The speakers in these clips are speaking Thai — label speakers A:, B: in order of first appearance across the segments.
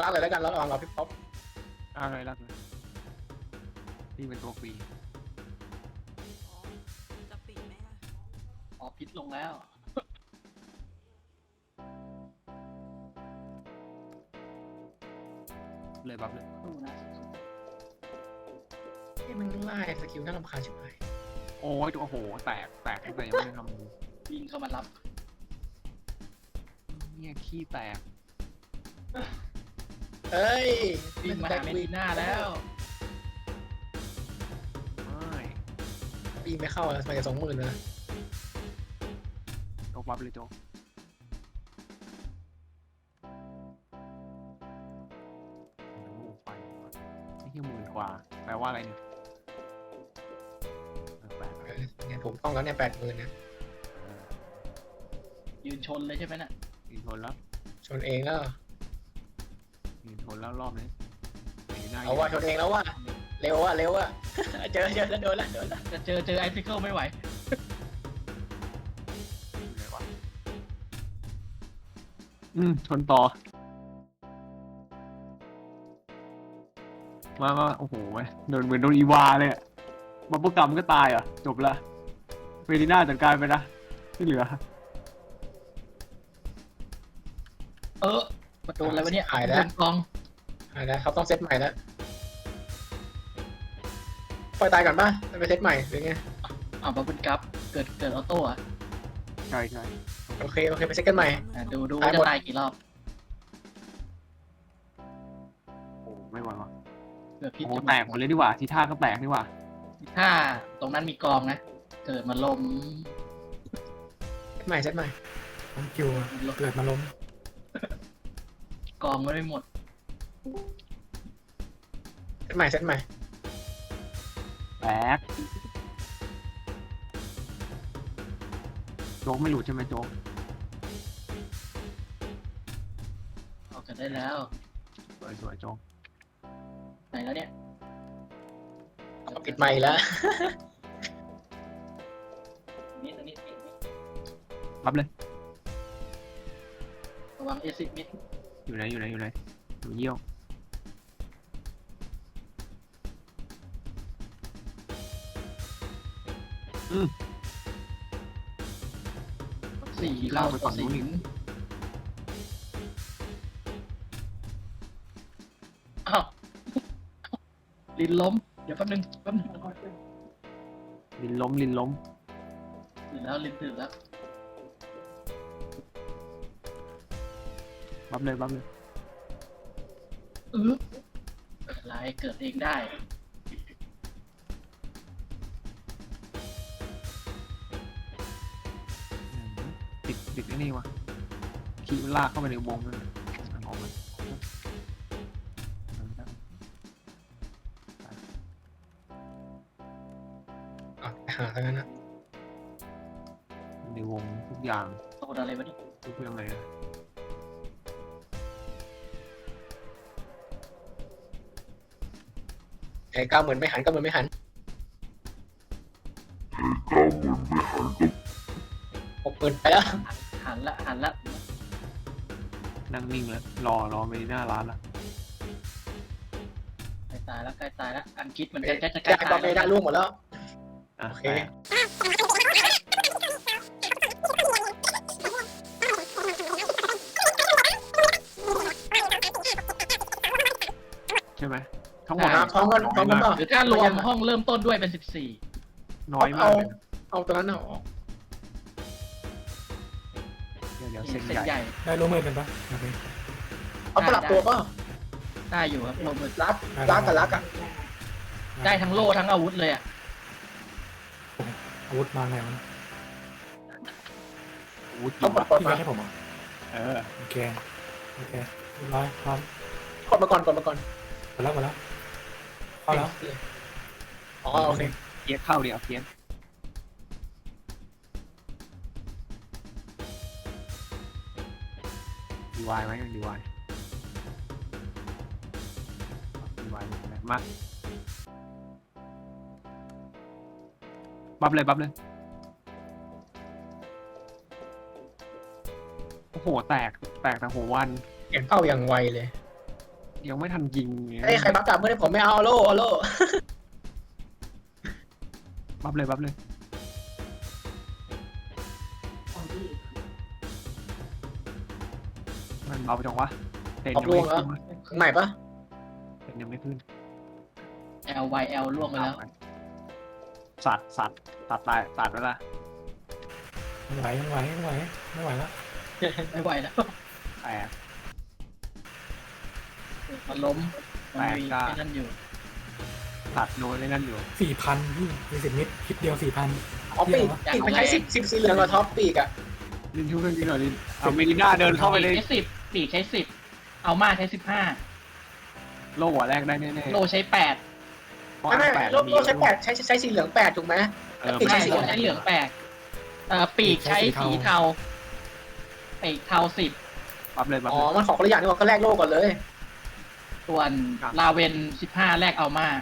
A: ลากเลยแล้วกันแล้วเราพี่ป๊อป
B: อะไรรักเลยนี่เป็นตัวฟรี
C: อ๋อจะปิดไหมล่ะ
D: อ๋อพิษลงแล้ว
B: เลยบัฟเลย
D: สู้นะ
A: ที่มันไล่สกิลน่ารำคาญชิบหาย
B: โอ้ยโอ้โหแตกตั้งแต่ยังไม่ได้ทำ
D: วิ่งเข้ามารับ
B: เนี่ยขี้แตก
A: เอ้ย
D: วิ่งมาหาเมดิน่าแล้ว
B: ไม่
A: ปีไม่เข้าอะสมัยจะ20,000เลย
B: โจ๊กบัฟเลยโจ๊กโอ้โหไปไม่ใช่10,000 กว่าแปลว่าอะไรเนี่ยแปลก
A: เนี่ยผมต้องแล้วเนี่ย80,000นะ
D: ยืนชนเลยใช่ไหมน่ะ
B: ยืนทนแล้ว
A: ชนเองแล้ว
B: ยืนทนแล้วรอบนี้หน้
A: เอาว่าชนเองแล้วว่าเร็วว่ะเจอแล้วโดนแล้ว
D: จะเจอไอซิเคิลไม่ไหว
B: อยู่ไหนวะชนต่อมาโอ้โหโดนเหมือนโดนอีวาเลยอะบัฟเฟอร์กัมก็ตายเหรอจบละเฟรดิน่าจัดการไปนะที่เหลือ
D: ประตูอะไรวะเนี่ย
A: หายแล้ว
D: โดนกอง
A: หายแล้วเขาต้องเซตใหม่แล้วปล่อยตายก่อนป่ะไปเซตใหม่หรือไง
D: เอามาเป็นกราฟเกิดออโต้อะ
B: ใช่
A: โอเคไปเซตกันใหม่
D: ดูว่าจะตายกี่รอบ
B: โอ้ไม่ไหววะ
D: เผื่อพิษ
B: โอ้
D: จะ
B: แตกหมดเลยดีกว่าทีท่าก็แตกดีกว่า
D: ถ้าตรงนั้นมีกองนะ เกิดมาล้ม
A: เซตใหม่ผมคิวเกิดมาล้ม
D: กองไม่หมด
A: เซตใหม่
B: แตกโจ๊กไม่หลุดใช่ไหมโจ๊ก
D: ออกกันได้แล้ว
B: สวยโจ๊ก
D: ไหนแล้วเนี่ย
A: เอาปิดใหม่แล้ว
D: นี่ตรงนี้
B: รับเลย
D: ระวังเอซิมิด
B: อยู่ไหนอยู่เยี่ยว
D: สี่เราต่อสิงอ้าวลินล้ม เดี๋ยวแป๊บนึง
B: ลินล้ม
D: ตื่นแล้วลินตื่นแล้ว
B: บัฟเลย
D: อะไรเกิดเองได้
B: ติดไอ้นี่วะขี่มันลากเข้าไปในวงนั่นออกมา
A: หาทั้งนั้นนะ
B: ในวงทุกอย่าง
D: โดนอะไรวะนี่
B: ทุกเรื่องเลยนะ
A: ไอ้90,000ไม่หัน90,000ไม่หัน60,000ไปแล้ว
D: หันละ
B: นั่งนิ่งแล้วรอไปหน้าร้านละ
D: ใกล้ตายแล้ว อังกฤษเหมือนกันจะใก
A: จ่า
D: ล้
A: ย
D: ตา
A: บอย ลเมได้ล่วงหมดแล้ว
B: อ่ะ
A: โอเค
B: แตกใช่ไหมทั้งหมด
A: พร้อมกันเปล่า
D: หรือถ้ารวมห้องเริ่มต้นด้วยเป็น 14
B: น้อยมากเลยนะ
A: เอาตัวนั้นออก
B: เดี๋ยว
D: เส้
B: เส้น
D: น
B: ใหญ่
D: ใหญ่
E: ได้ร่วมมือกันปะโอเค
A: เอาสลับตัวป่ะ
D: ได้อยู่ครับลงมือ
A: รักกับรักอ่ะ
D: ได้ทั้งโล่ทั้งอาวุธเลยอ่ะ
E: อาวุธมาไงวะ
B: อู้จริ
A: ต้อง
B: ง
A: กด
B: วะ
A: ก่อน
E: พี่
A: มา
E: ไม่ให้ผมเหรอ
B: เออ
E: โอเคเรียบร้อยพร้อม
A: กดมาก่อน
E: หมดแล้วเข้าแล้ว
A: อ๋อโอเค
B: เพี้ยนเข้าเดี๋ยวเพี้ยนดีวายไหมดีวายมาบัฟเลยโอ้โหแตกแต่หัววัน
A: เห็นเป้าอย่างไวเลย
B: ยังไม่ทันยิง
A: เฮ้ยใครบัฟกลับเมื่อไหร่ผมไม่เอาโล่โล่
B: บัฟเลยบัฟเลยมันเบาจังวะเต็น
A: ออก
B: ยัง
A: ลว
B: ไม่
A: งแล้ว
B: ขึ้น
A: ใหม่ปะ
B: เต็นยังไม่ขึ้น
D: LYL ล่วงไปแล้ว
B: สัตว์ตัดตายตัดไว้ละ
E: ไม่ไหวไม่ไหวไม่ไหวไม่ไหวแล้ว
D: ไม่ไหวแล้ว
B: แตก
D: มันล้มมันมี
B: แปลกอะ
D: ไอ้นั่นอยู่
B: ตัดโน้ตในนั่นอยู่
E: 4,000พี่มี10 นิดคิดเดียว 4,000
A: อ๋อปีกมันใช้10สีเหลืองกับท็อปปีกอะ
B: ลินช่วยเพื่อนกินหน่อยลินเอาเมลิน่าเดินเข้าไปเลย
D: ใช้10ปีกใช้10เอามาใช้15
B: โล่หัวแรกได้แน่ๆ
D: โลใช้8
B: เพราะ
A: ไม่
B: แปด
A: โล่ใช้8ใช้สีเหลือง8ถูกไหม
B: เออ
A: ปีก
D: ใช่
A: ใช้สี
D: โลใช้เหลืองปีกใช้สีเทาปีกเทา10
B: บัฟเลยบัฟ
A: อ๋อ
B: เลย
A: มันของคนละอย่างนี่หว่าก็แลกโล่ก่อนเลย
D: ส่วน
B: ครับ
D: ลาเวน15แรกเอามา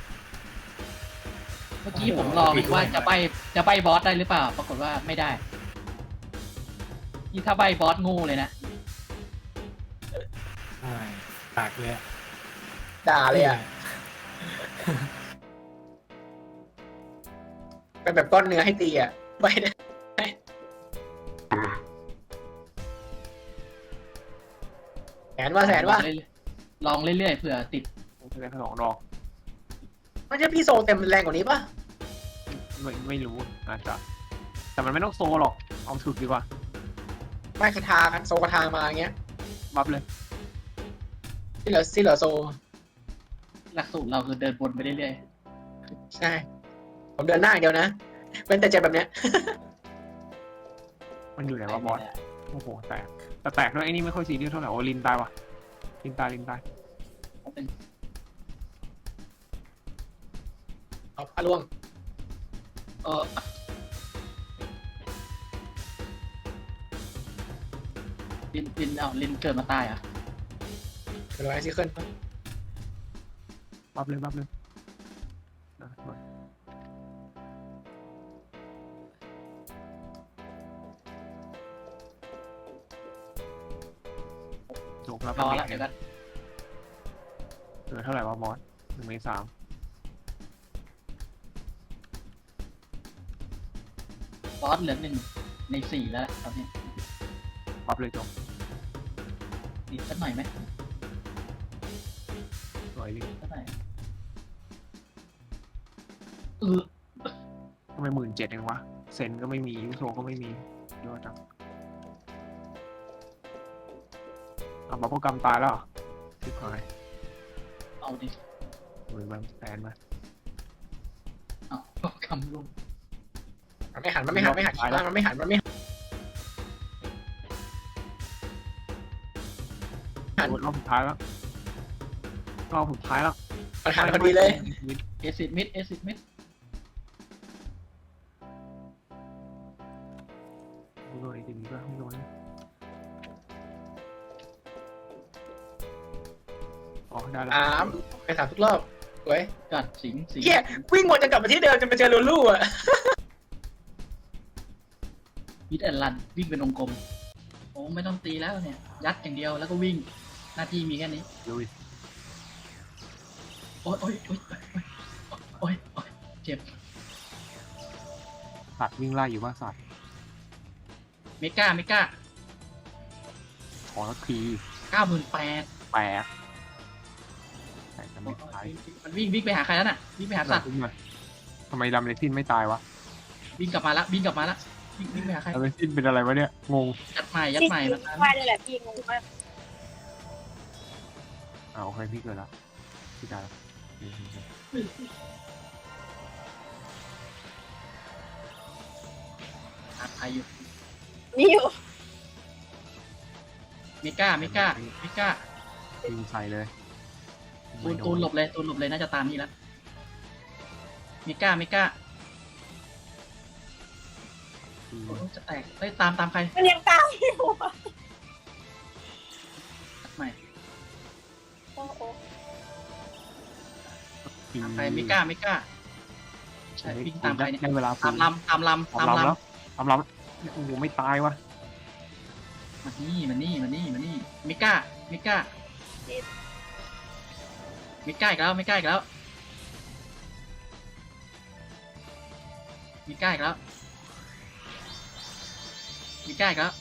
D: เมื่อกี้ผมลองว่าจะใบบอสได้หรือเปล่า ปรากฏว่าไม่ได้นี่ถ้าใบบอสงูเลยนะ
E: ใช่ตากเลยอะ
A: ด่าเลยอะเป็นแบบก้อนเนื้อให้ตีอะไปนะแสนว่า
D: ลองเรื่อยๆเผื่อติด
B: ผมจะได้สองดอก
A: ไม่ใช่พี่โซเต็มแรงกว่านี้ปะ
B: ไม่รู้อาจจะแต่มันไม่ต้องโซหรอกเอาถึกดีกว่า
A: ไม่คาทากันโซคาทามาอย่างเงี้ย
B: บัฟเลย
A: ที่เหลือโซ
D: หลักสูตรเราคือเดินบนไปเรื่อย
A: ใช่ ผมเดินหน้าอย่างเดียวนะเป็นแต่เจ็บแบบเนี้ย
B: มันอยู่ไหน
D: ๆ
B: วะบอสโอ้โหแตกแต่แตกด้วยไอ้นี่ไม่ค่อยซีเรียสเท่าไหร่โอ้ลินตายวะลินตาย
D: เป็น
A: เอาพาล่วง
D: ลินเกิดมาตายอ่ะ
A: เดี๋ยวเราไอซิเคิล
B: บัฟเลยนะจบแล้ว
D: รอละเดี๋ยวกัน
B: เหลือเท่าไหร่วะบอส1 ใน 3
D: บอสเหลือ1 ใน 4แล้วตอนนี้
B: บัฟเลยจบ
D: ติดสักหน่อยไหม
B: สวยดิ
D: สักหน่อย
B: ทำไม17,000เองวะเซนก็ไม่มียูโซก็ไม่มีเยอะจังอ่ะบัฟโปรแกรมตายแล้วเหรอชิบหาย
D: เอาดิ
B: หรือมันแฟนมา
D: เอาคำลง
A: มันไม่หันคิดว่ามันไม่หัน
B: รอบสุดท้ายแล้ว
A: มันหันพอดีเลย
D: เอซิดมิด
B: ไม่โดนไอ้ทีนี้ก็ไม่โดนอ๋อได้แล้ว
A: ไปถามทุกรอบสวย
D: กัดสิง
A: เฮียวิ่งหมดจะกลับมาที่เดิมจะไปเจอลูลูอ่ะ
D: มิดแอนลันวิ่งเป็นวงกลมโอ้ไม่ต้องตีแล้วเนี่ย ยัดอย่างเดียวแล้วก็วิ่งหน้าที่มีแค่นี้
B: ลุย
D: โอ๊ยเจ็บ
B: สัตว์วิ่งไล่อยู่ว่าสัตว์
D: เมก้า
B: ขอสักที
D: 98,000
B: แปลกแต่จะไม่ตาย
D: มันวิ่งไปหาใครแล้วน่ะวิ่งไปหาสัตว์
B: ทำไมดำเลซินไม่ตายวะ
D: วิ่งกลับมาละวิ่งไปหาใคร
B: ดำเลซินเป็นอะไรวะเนี่ยงง
D: ยัดใหม่มาตาม
C: ว่าเลยแหละพี่งงมาก
B: โอเคพี่เกิดแล้วพี่ตายแล้ว
D: หาใครอยู่
C: นี่อยู่
D: เมก้า
B: ยิงใส่เลย
D: ตูนหลบเลยน่าจะตามนี่แล้วเมก้าโอ้จะแตกเฮ้ยตามใคร
C: มันยังตามอยู่อะ
D: ยัดใหม่
C: โอ้โห
D: ตามใครเมก้าใช่วิ่งตามใครเนี่ย
B: ได้เวลา
D: ตามลำ
B: แล้วโอ้โหไม่ตายวะ
D: มานี่เมก้ามิก้าอีกแล้วมิก้าอีกแล้วมิก้าอีกแล้วมิก้าอีกแล้ว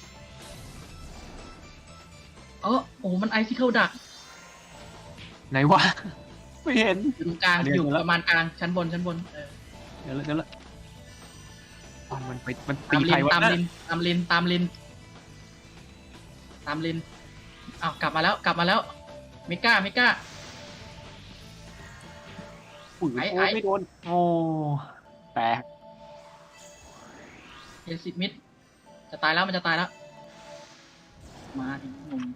D: โอ้โหมันไอซิเคิลดัก
B: ไหนวะ ไม่เห็น
D: อยู่ตรงกลาง
B: เดี๋ยว
D: อยู่
B: เดี๋ยว
D: ประมาณกลางชั้นบน
B: เดี๋ยวละอ๋อมันไปมัน
D: ตา
B: ตี
D: ม
B: ใค
D: ลิ
B: ร
D: น
B: วะ
D: ตาม
B: นั่น
D: ลินตามลินตามลินตามลินอ้าวกลับมาแล้วกลับมาแล้วมิก้ามิก้า
B: อุ้ย
D: ไอ้
B: โอ้ยไม่โดนโอ้แตก
D: เอซิมิดจะตายแล้วมันจะตายแล้วมาดิงง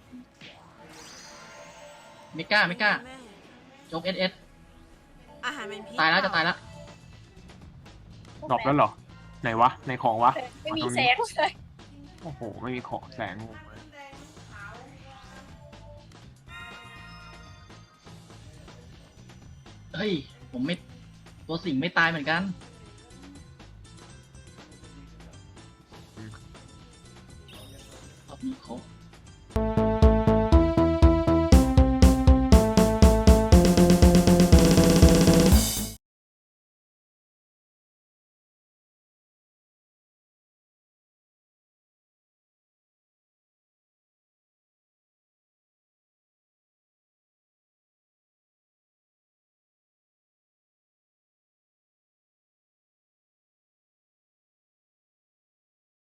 D: มิก้ามิก้า
C: แม่
D: โจ๊กเอส
C: อาหารเป็นพิษ
D: ตายแล้วจะตายแล้ว
B: ดรอปแล้วเหรอ ไหนวะในของวะ
F: ไม่มี
B: อ๋อตรง
F: แส
B: นี้
F: งเลย
B: โอ้โหไม่มีของแสงงงเลย
D: เฮ้ยผมไม่ตัวสิงไม่ตายเหมือนกันรอบนี้ครบ